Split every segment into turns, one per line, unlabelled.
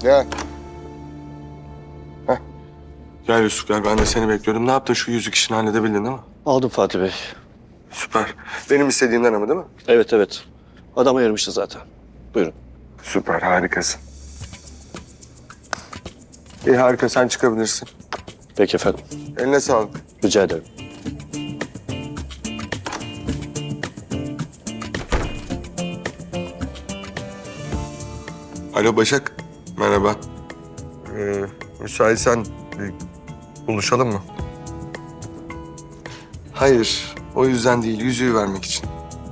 Gel. Heh. Gel Yusuf gel. Ben de seni bekliyordum. Ne yaptın şu yüzük işini halledebildin değil mi?
Aldım Fatih Bey.
Süper. Benim istediğimden ama değil mi?
Evet evet. Adam ayırmıştı zaten. Buyurun.
Süper harikasın. İyi harika sen çıkabilirsin.
Peki efendim.
Eline sağlık.
Rica ederim.
Alo Başak. Merhaba. Müsaitsen bir buluşalım mı? Hayır. O yüzden değil. Yüzüğü vermek için.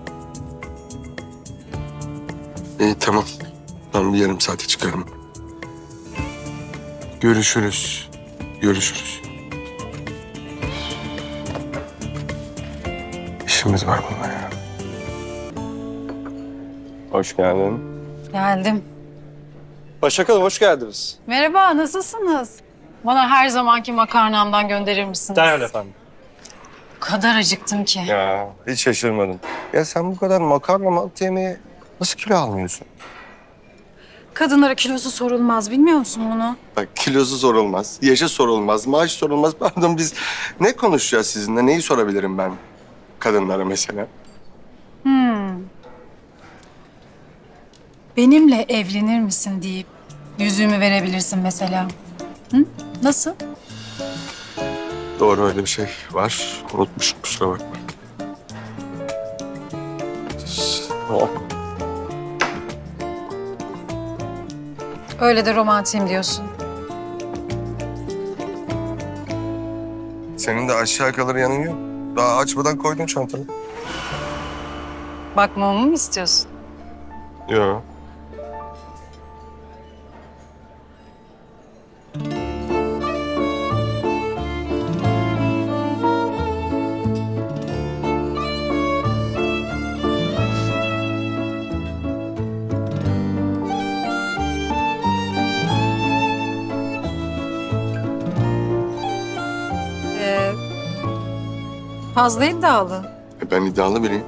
İyi tamam. Ben bir yarım saate çıkarım. Görüşürüz. Görüşürüz. İşimiz var bununla ya. Hoş geldin.
Geldim.
Başak Hanım hoş geldiniz.
Merhaba, nasılsınız? Bana her zamanki makarnamdan gönderir misiniz?
Derhal efendim.
O kadar acıktım ki.
Ya hiç şaşırmadım. Ya sen bu kadar makarna mantı yemeği nasıl kilo almıyorsun?
Kadınlara kilosu sorulmaz, bilmiyor musun bunu?
Bak kilosu sorulmaz, yaşı sorulmaz, maaş sorulmaz. Pardon biz ne konuşacağız sizinle? Neyi sorabilirim ben kadınlara mesela?
Benimle evlenir misin deyip yüzüğümü verebilirsin mesela. Hı? Nasıl?
Doğru öyle bir şey var. Unutmuşum kusura bakma. Oh.
Öyle de romantiyim diyorsun.
Senin de aşağı kalır yanın yok. Daha açmadan koydun çantanı.
Bakmamı mı istiyorsun?
Yok.
Fazla iddialı.
Ben iddialı biriyim.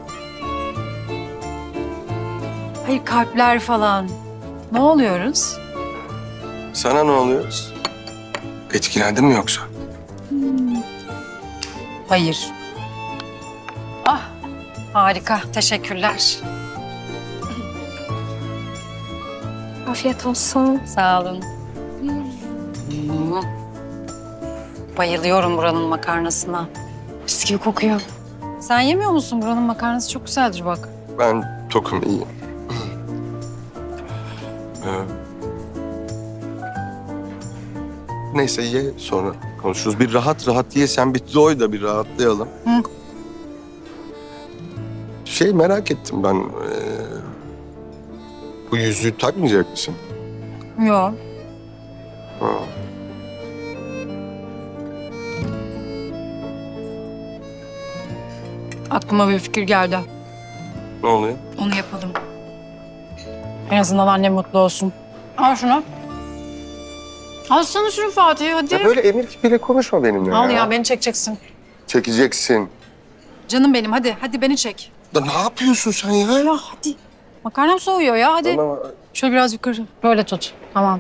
Hayır, kalpler falan. Ne oluyoruz?
Sana ne oluyor? Etkilendin mi yoksa?
Hayır. Ah, harika. Teşekkürler.
Afiyet olsun.
Sağ olun. Bayılıyorum buranın makarnasına. Mis gibi kokuyor. Sen yemiyor musun? Buranın makarnası çok güzeldir bak.
Ben tokum iyiyim. Neyse ye sonra konuşuruz. Bir rahat rahat ye sen bir doy da bir rahatlayalım.
Hı.
Merak ettim ben. Bu yüzüğü takmayacak mısın?
Yok.
Ha.
Aklıma bir fikir geldi.
Ne oluyor?
Onu yapalım. En azından annem mutlu olsun. Al şunu. Al sana şunu Fatih hadi.
Ya böyle emir kipiyle konuşma benimle
Al ya beni çekeceksin.
Çekeceksin.
Canım benim hadi. Hadi beni çek.
Da ne yapıyorsun sen ya?
Ya hadi. Makarnam soğuyor ya hadi.
Bana-
Şöyle biraz yukarı. Böyle tut. Tamam.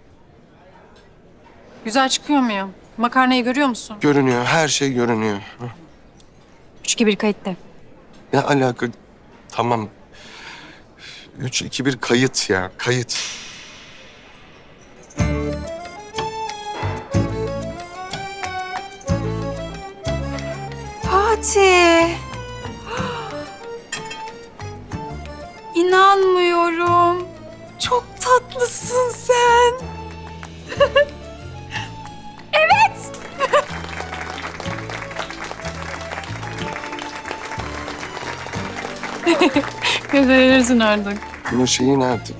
Güzel çıkıyor muyum? Makarnayı görüyor musun?
Görünüyor, her şey görünüyor.
3, 2, 1 kayıtta.
Ne alaka? Tamam. 3, 2, 1 kayıt ya, kayıt.
Fatih. İnanmıyorum. Çok tatlısın sen. Evet. Gösterirsin artık.
Bunun şeyi nerede?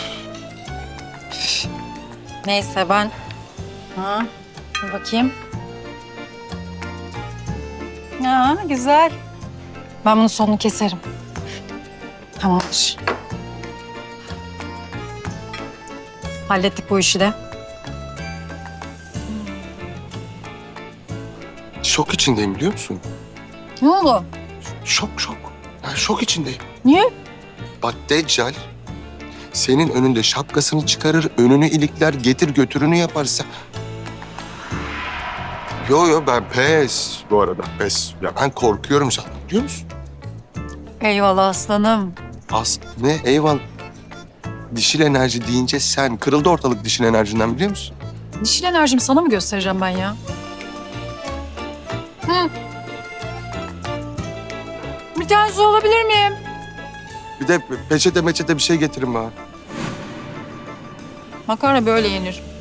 Neyse ben... Ha, dur bakayım. Ya güzel. Ben bunun sonunu keserim. Tamamdır. Hallettik bu işi de.
Şok içindeyim biliyor musun?
Ne oldu?
Şok. Yani şok içindeyim.
Niye?
Bak Deccal senin önünde şapkasını çıkarır, önünü ilikler, getir götürünü yapar. Yo ben pes bu arada pes. Ya ben korkuyorum sana biliyor musun?
Eyvallah aslanım.
Ne eyvallah. Dişil enerji deyince sen kırıldı ortalık dişil enerjinden biliyor musun?
Dişil enerjimi sana mı göstereceğim ben ya? Hı. Bir tane su alabilir miyim?
Bir de peçete meçete bir şey getirin bana.
Makarna böyle yenir.